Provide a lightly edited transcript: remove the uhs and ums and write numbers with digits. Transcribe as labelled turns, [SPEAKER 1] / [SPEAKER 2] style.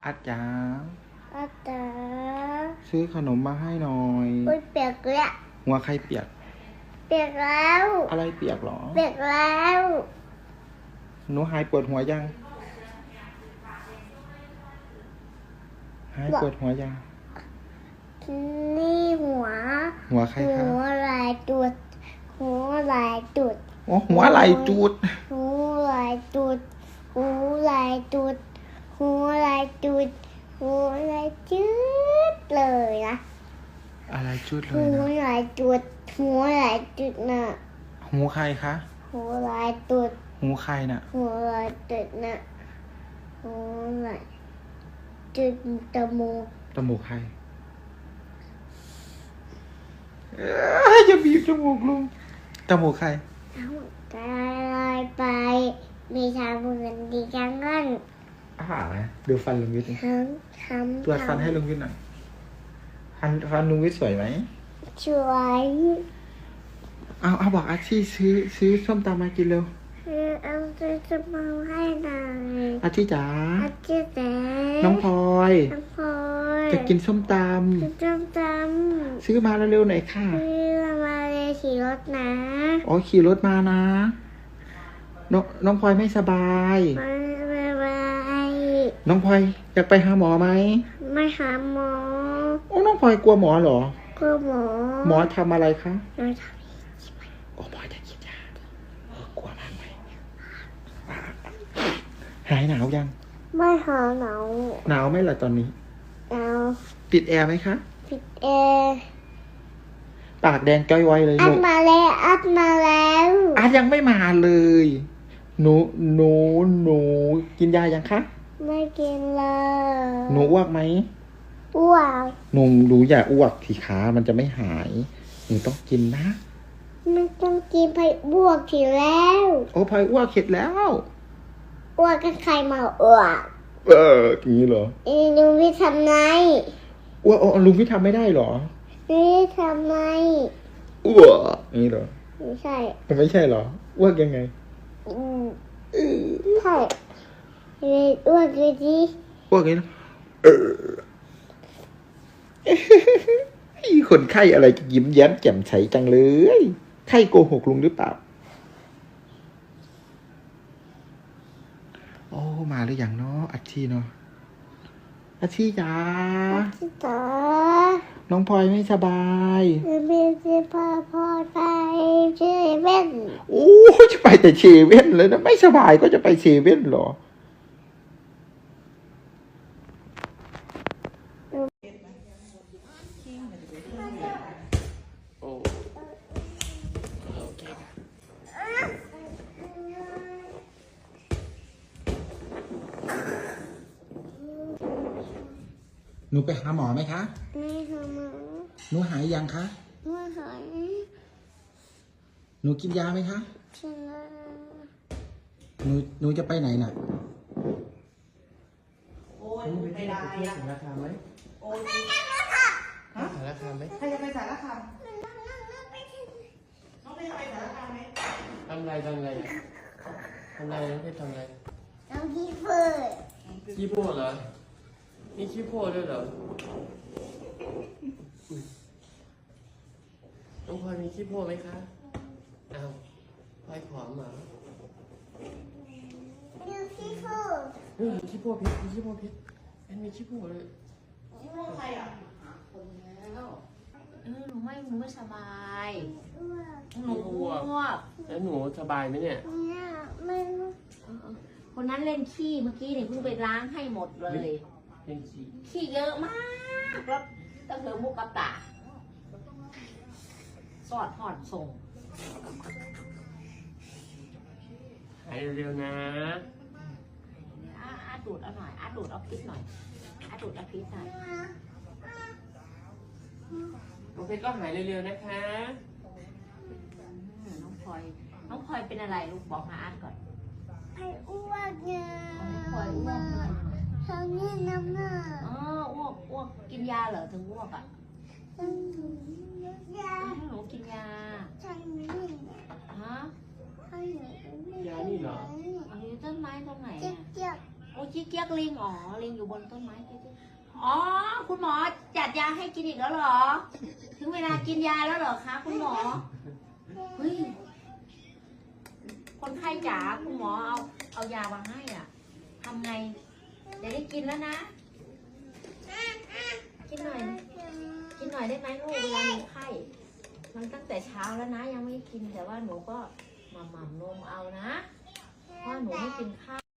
[SPEAKER 1] อาจารย์
[SPEAKER 2] อาจารย์
[SPEAKER 1] ซื้อขนมมาให้หน่อย
[SPEAKER 2] อุ้ยเปียกแล้ว
[SPEAKER 1] หัวใครเปียก
[SPEAKER 2] เปียกแล้ว
[SPEAKER 1] อะไรเปียกหรอ
[SPEAKER 2] เปียกแล้ว
[SPEAKER 1] หนูหายปวดหัวยังหายปวดหัวยัง
[SPEAKER 2] นี่หัว
[SPEAKER 1] ใครครับ
[SPEAKER 2] หัวลายจุดหัวลายจุด
[SPEAKER 1] โอ้หัวไหลจูด
[SPEAKER 2] หัวลายจุดหัวลายจุดหัวลายจุดหัวลายจุดเลยนะ
[SPEAKER 1] อะไรจุดเลย
[SPEAKER 2] หัว
[SPEAKER 1] นะ
[SPEAKER 2] ลายจุดหัวลายจุดน่ะ
[SPEAKER 1] หูใครคะ
[SPEAKER 2] หัวลายจุด
[SPEAKER 1] หูใครน่ะ
[SPEAKER 2] หัวลายจุดน่ะหัวลายจุดจมูก
[SPEAKER 1] ใครจะบีบจมูกลุงจมูกใคร
[SPEAKER 2] เอากลายไปมีชาเหมือนดีจังงั้น
[SPEAKER 1] นะดูฟันลุงวิทย์ตรวจฟันให้ลุงวิทย์หน่อยฟันลุงวิทย์สวยไหม
[SPEAKER 2] สวย
[SPEAKER 1] เอาบอกอาชีซื้อส้มตำมากินเร็ว
[SPEAKER 2] เอาจะมาให้หน่อย
[SPEAKER 1] อาชีจ๋า
[SPEAKER 2] อาชีแต่
[SPEAKER 1] น้องพลอยจะกินส้มตำซื้อมาเร็วๆหน่อยค่ะ
[SPEAKER 2] ซื้อมาเลยขี่รถนะ
[SPEAKER 1] อ๋อขี่รถมานะน้องพลอยไม่สบายน้องพลอยอยากไปหาหมอไหม
[SPEAKER 2] ไม่หาหมอ
[SPEAKER 1] โอ้น้องพลอยกลัวหมอเหรอก
[SPEAKER 2] ลัว
[SPEAKER 1] หมอทำอะไรคะ
[SPEAKER 2] หมอท
[SPEAKER 1] โอ้หมอจะกินยากลัวมากไหมหายหนาวยัง
[SPEAKER 2] ไม่หาห
[SPEAKER 1] นาวไหมล่ะตอนนี้
[SPEAKER 2] หนาว
[SPEAKER 1] ปิดแอร์ไหมคะ
[SPEAKER 2] ปิดแอร์
[SPEAKER 1] ปากแดงจ้อยไว้เลย
[SPEAKER 2] อัดมาแล้ว
[SPEAKER 1] อัดยังไม่มาเลยหนูกินยายังคะ
[SPEAKER 2] ไม่กินเลย
[SPEAKER 1] หนูอ้วกไหม
[SPEAKER 2] อ้วก
[SPEAKER 1] หนูอย่าอ้วกทีขามันจะไม่หายหนูต้องกินนะ
[SPEAKER 2] มันต้องกินไปอ้วกทีแล้ว
[SPEAKER 1] โอ้พายอ้วกเข็ดแล้ว
[SPEAKER 2] อ้วกกันใครมาอ้วก
[SPEAKER 1] อย่างนี้เหรอ
[SPEAKER 2] ลุงวิทย์ทำไง
[SPEAKER 1] อ้วกลุงวิทย์ทำไม่ได้เหรอ
[SPEAKER 2] นี่ทำไง
[SPEAKER 1] อ้วกอย่างนี้เหรอ
[SPEAKER 2] ไม่ใช่
[SPEAKER 1] เหรออ้วกยังไง
[SPEAKER 2] ใช่อ้วกเลยดิ
[SPEAKER 1] อ้วกอย่างนี้นะคนไข้อะไรยิ้มแย้มแจ่มใสจังเลยไข้โกหกลุงหรือเปล่าโอ้มาหรือยังเนาะอาชีเนาะอาชีจ๋าน้องพลอยไม่สบาย
[SPEAKER 2] ไม่สบายพ่อไปเซเว่น
[SPEAKER 1] โอ้จะไปแต่เซเว่นเลยนะไม่สบายก็จะไปเซเว่นเหรอหนูไปหาหมอไหมคะ
[SPEAKER 2] ไม่หาหมอ
[SPEAKER 1] หนูหายยังคะ
[SPEAKER 2] ไม่หาย
[SPEAKER 1] หนูกินยาไหมคะ
[SPEAKER 2] กินแล้ว
[SPEAKER 1] หนูจะไปไหนน่ะ
[SPEAKER 3] โอ้ยไม่ได้อะ
[SPEAKER 1] สารคามไหม
[SPEAKER 3] โอ้ย
[SPEAKER 1] สารคามไหม
[SPEAKER 3] ใครจะไปสารคามน้องไปสารคามไหม
[SPEAKER 1] ทำไรน้องเพชรทำไร
[SPEAKER 2] น้องขี้เฟื่อ
[SPEAKER 1] ขี้โพดเหรอมีขี้โพดด้วยเหรอน้องพลอยมีขี้โพดไหมคะอ้าวพลอยผอมเหรอ
[SPEAKER 2] มีขี้เฟื่อ
[SPEAKER 1] ขี้โพดเพชรมีขี้โพดเพชรมีขี้โพดเลย
[SPEAKER 3] ขี้โพดใครอ่ะ
[SPEAKER 4] คนแล้วหนูไม่สบายหนูอ้วก
[SPEAKER 1] แล้วหนูสบายไหมเนี่ย
[SPEAKER 2] ไม่
[SPEAKER 4] คนนั้นเล่นขี้เมื่อกี้เนี่ยเพิ่งไปล้างให้หมดเลย
[SPEAKER 1] เล่น
[SPEAKER 4] ขี้เยอะมากแล้วต้องเธอมุกกับตาสอดหอดส่ง
[SPEAKER 1] หายเร็วๆนะ
[SPEAKER 4] อาดูดเอาหน่อยอาดูดเอาพิษหน่อยอาดูดเอาพิษหน่อย
[SPEAKER 1] น้องเพชรก็หายเร็วๆนะคะ
[SPEAKER 4] น้องพลอยเป็นอะไรลูกบอกมาอาก่อน
[SPEAKER 2] ไปอ้วกเนี่ย
[SPEAKER 4] พลอยอ้วกเลย
[SPEAKER 2] ทำนี่น้ำหน้า
[SPEAKER 4] อ้วกกินยาเหรอถึงอ้วกอ่ะ
[SPEAKER 2] ห
[SPEAKER 4] นูกินยา
[SPEAKER 2] ใช่ไหม
[SPEAKER 4] ฮะ
[SPEAKER 1] ยานี่เหรอ
[SPEAKER 4] อันนี้ต้นไม้ตรงไหน
[SPEAKER 2] เจ็บ
[SPEAKER 4] โอ้ขี้เกียจลิงอ๋อลิงอยู่บนต้นไม้ขี้เกียจอ๋อคุณหมอจัดยาให้กินอีกแล้วเหรอ ถึงเวลากินยาแล้วเหรอคะคุณหมอเฮ้ยคนไข้จ๋าคุณหมอเอายามาให้อ่ะทำไงเดี๋ยวได้กินแล้วนะกินหน่อยได้ไหมลูกเวลามีไข้มันตั้งแต่เช้าแล้วนะยังไม่กินแต่ว่าหนูก็หม่ำนมเอานะเพราะหนูไม่กินข้าว